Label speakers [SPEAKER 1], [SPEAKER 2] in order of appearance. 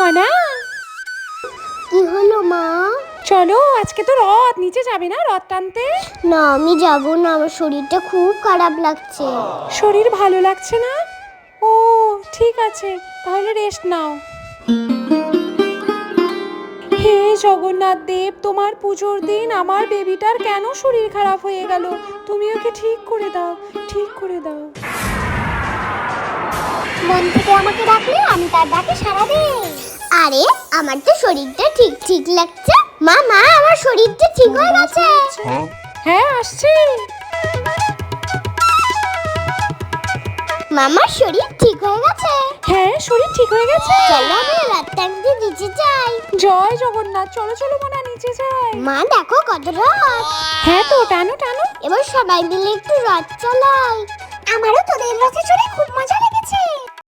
[SPEAKER 1] মনা,
[SPEAKER 2] কি হলো মা?
[SPEAKER 1] চলো আজকে তো রথ, নিচে যাবে না রথ টানতে?
[SPEAKER 2] না আমি যাব না, আমার শরীরটা খুব খারাপ লাগছে।
[SPEAKER 1] শরীর ভালো লাগছে না? ও ঠিক আছে, তাহলে রেস্ট নাও। হে জগন্নাথ দেব, তোমার পুজোর দিন আমার বেবিটার কেন শরীর খারাপ হয়ে গেল? তুমি ওকে ঠিক করে দাও, ঠিক করে দাও।
[SPEAKER 2] মন থেকে আমাকে ডাকলে আমি তার ডাকে সাড়া দেই। আরে আমার তো শরীরটা ঠিক ঠিক লাগছে। মা মা, আমার শরীরটা ঠিক হয়ে গেছে।
[SPEAKER 1] হ্যাঁ আসছে।
[SPEAKER 2] মামার শরীর ঠিক হয়ে গেছে।
[SPEAKER 1] হ্যাঁ শরীর ঠিক হয়ে গেছে।
[SPEAKER 2] চলো আমরা রাত টানতে নিচে যাই।
[SPEAKER 1] জয় জগন্নাথ, চলো চলো মনা, নিচে যাই।
[SPEAKER 2] মা দেখো কত রথ।
[SPEAKER 1] হ্যাঁ তো, টানো টানো।
[SPEAKER 2] এবার সবাই মিলে একটু রথ চালাই। আমারও তোদের রথে চড়ে খুব মজা